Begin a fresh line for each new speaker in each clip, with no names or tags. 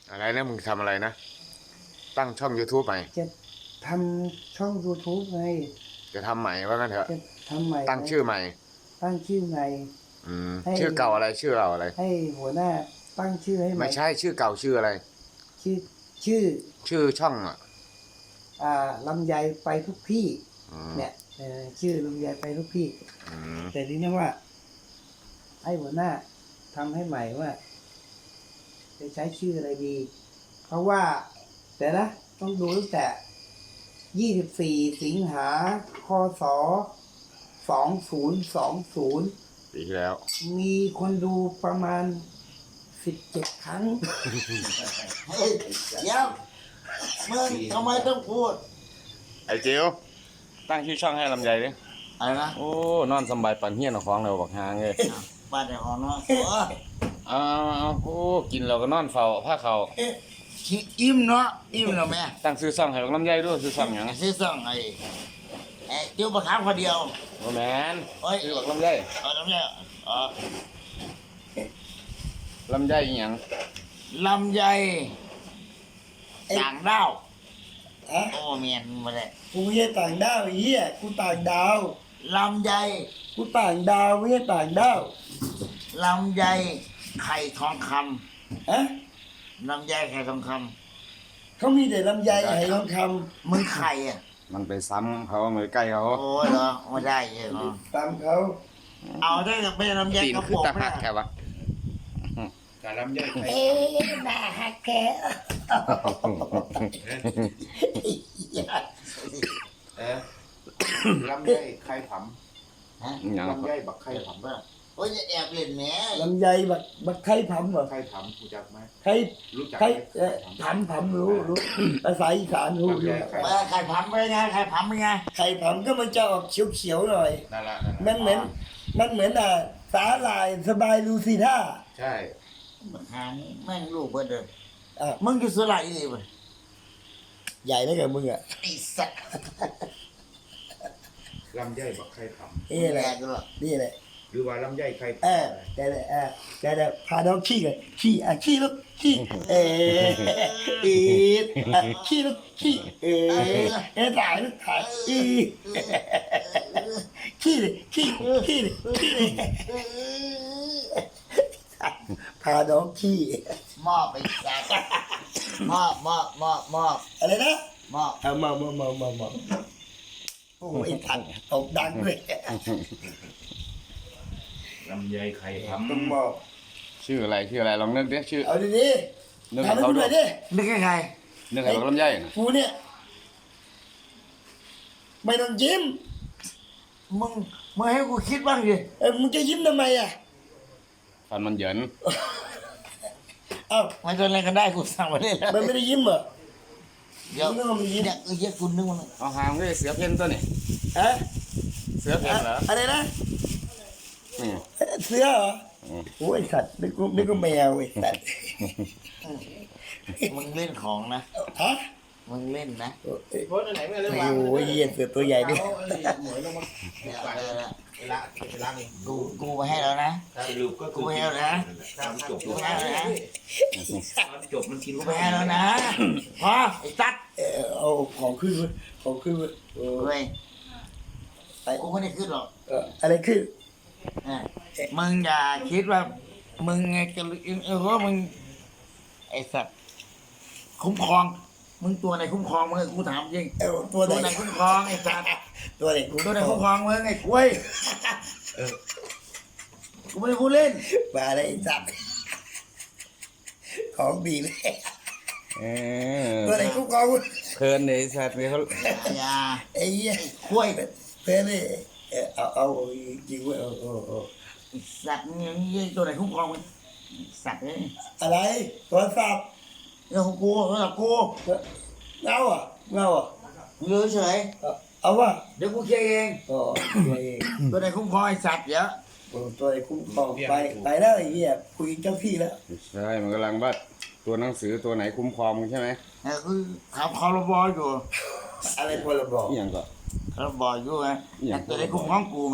อะไรนะมึงทำอะไรนะตั้งช่อง YouTube ใหม่
จะทำช่อง YouTube ไง
จะทำใหม่ว่างั้นเถอะ
จะทำใหม่
ตั้งชื่อใหม่
ตั้งชื่อใหม่ให้
ชื่อเก่าอะไรชื่อเราอะไร
ให้หัวหน้าตั้งชื่อให้ใหม่
ไม่ใช่ชื่อเก่าชื่ออะไร
ชื่อชื่อ
ชื่อช่องอ่ะ
ลำไยไปทุกที่
อืม
เนี่ยชื่อลำไยไปทุกที่แต่ทีนี้ว่าให้หัวหน้าทำให้ใหม่ว่าจะใช้ชื่ออะไรดี เพราะว่าแต่นะต้องดูตั้งแต่24 สิงหาคศ2020
ปีที่แล้ว
มีคนดูประมาณ17 ครั้ง
เฮ้ยเดี๋ยวมึงทำไมต้องพูด
ไอ้จิ๋วตั้งชื่อช่องให้ลำไยดิ
อะไรนะ
โอ้นอนสบายปันเฮี้ยนเอาของเราบักหางเลย
บ้านในห้องเนาะ
เอาโอ้กินเราก็นอนเฝ้าผ้าเขา
อิ่มเนาะอิ่มเนาะแม่
ตั้งชื่อช่องให้บักลำไยด้วยชื่อช่องหยัง
ซื้อซ่องไอ้เดี๋ยวประคับคนเดียว
โอ้แมนชื่อบักลำไย
ลำไย
ลำไยอีหยัง
ลำไยต่างดาวโอ้เมียนมาเลย
กูไม่ใช่ต่างดาวไอ้เหี้ยกูต่างดาว
ลำไย
กูต่างดาวไม่ใช่ต่างดาว
ลำไยไข่ทองคำลำไยไข่ทองค
ำเขามีแต่ลำไยไข่ทองค
ำมึงไข่อ่ะ
มันไปซ้ำเขามือใกล้เขา
โอ้เหรอไม่ได้เหรอ
ตามเขา
เอาได้แต่เป็นลำไยกระปุก
ไม่ได้แค่วะ
แต่ลำไยไข่
น่าฮักแก
ลำไยไข่ผำลำไยบักไข่ผำ
โอ้ยจะแอบเล่นแหม
ลำไยบักไข่ผำเหรอ
ไข่ผำรู้จักไหม
ไข่
รู้จัก
ไข่ผำรู้ภาษาอีสานรู้
ไข่ผำเป็นไงไข่ผำเป็นไง
ไข่ผำก็มันจะออกเขียวๆหน่อย
นั่นแหละ
มันเหมือนสาหร่ายสบายลูซิท่า
ใช่
หางแม่งลูกเบิดเลยมึงจะสลายเลยมั้ย
ใหญ่แล้วกับมึงอ่ะ
ไอ้สัตว์
ลำไยบักไข่ผำ
นี่แหละนี่แหละ
หรือว่าลำไยไข่
แต่พาน้องขี้กันขี้ลูกขี้ขี้ลูกขี้ถ่ายลูกถ่ายขี้เลยพาน้องขี้
มอบไปสัตว์มอบ
อะไรนะ
มอบ
โอ้ยถัดตกดังเลย
ลำไยไข่ผำ
ต้องบอก
ชื่ออะไรลองนึกดิชื่อ
เอาดี
นึกให้เขาด้วย
นึกให้ใคร
นึกให้ลำไย
กูเนี่ยไม่ต้องยิ้ม
มึงให้กูคิดบ้างดิ
มึงจะยิ้มทำไมอ่ะ
ฟันมันเหยิน
ไม่เป็นไรกันได้กูสั่งมาเลยแล้ว
มันไม่ได้ยิ้มเหรอ
เดี๋ยวเนี่ยเยอะคุณนึกว่า
เอาหางก็เสือเพ่นตัวนี่เสือเพ่นเหรอ
อะไรนะเสือเหรอโอ้ยสัตว์นึกว่าแมวไอ้สัตว์
มึงเล่นของนะมึงเล่นนะ
โพสไหนไม่เล่นวะ
โอ้ยเยี่ยเสือตัวใหญ่ด้วย
กูไปให้แล้วนะ
สรุปก็
กูไปให้แล้วนะ
จบ
กูไปให้แล้วนะ
จบมันกิน
กูไปให้แล้วนะพอไอ้สัตว์
เอาของขึ้นเ
ว้ยกูไม่ได้ขึ้นหรอก
อะไรขึ้น
มึงอย่าคิดว่ามึงไงจะว่ามึงไอ้สัตว์คุ้มครองมึงตัวไหนคุ้มครองมึงกูถามจริงตัวไหนคุ้มครองไอ้สัตว์
ตัวไหน
คุ้มครองมึงไอ้กล้วยกูไม่ได้พูดเล่น
มาเลยไอ้สัตว์ของดีเลยตัวไหนคุ้มครอง
เพลินเลยสัตว์เขา
อย่า
ไอ้เหี้ย
กล้วย
เพลินเลยเอาจริงเว้ย
สัตว์นี่ตัวไหนคุ้มครองมึงสัตว์เลย
อะไรตัวสัตว์
เรื่องของกู
เงาอ่ะ
เงยเฉย
เอาวะ
เดี๋ยวกูเคลียร์เองตัวไหนคุ้มครองไอ้สัตว์เยอะ
ตัวไหนคุ้มครองไปแล้วไอ้เหี้ยคุยเจ้าที่แล้ว
ใช่มันกำลังบัดตัวหนังสือตัวไหนคุ้มครองใช่ไหม
คือขับคอร์บออยู่
อะไรพลบ
อย่างก็
คอร์บออยู่ไงตัวไหนคุ้มครองกูไหม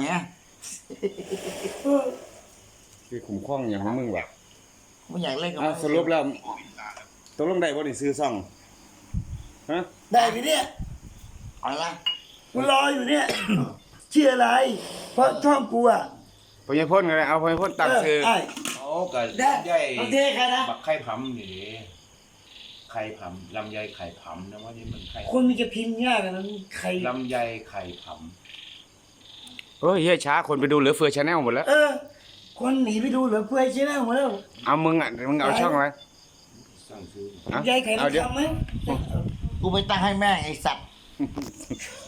คือคุ้มครองอย่างของมึงวะ
ไม่อยากเล่นกับ
สรุปแล้วตกลงได้บ่นี่ซื้อซ่องฮะ
ได้ไหมเนี่ย
เอาละ
กูรออยู่เนี่ย ชื่ออะไร เพราะช่องกูอ่ะ
พญพ่นกันเลยเอาพญพ่นตั้งซื้อ
ไอ้
โอ้ก็
ได้
ใหญ่
โอเคใครนะ
บักไข่ผำนี่ดิไข่ผำลำไยไข่ผำนะว่านี่มันไข่
คนมันจะพิมพ์ยากอะนะใคร
ลำไยไข่ผ
โอ้ยเฮียช้าคนไปดูเหลือเฟือชาแนลหมดแล้ว
คนหนีไปดูเหลือเฟือใช่ไหมหมดแล้ว
เอามึงอ่ะมึงเอาช่องอะไร
ำสั่งซื้อ
ฮะ
ยายไข่
เอา
มัน
เดี๋ยว
ทำไหม
กูไปตั้งให้แม่งไอ้สัตว์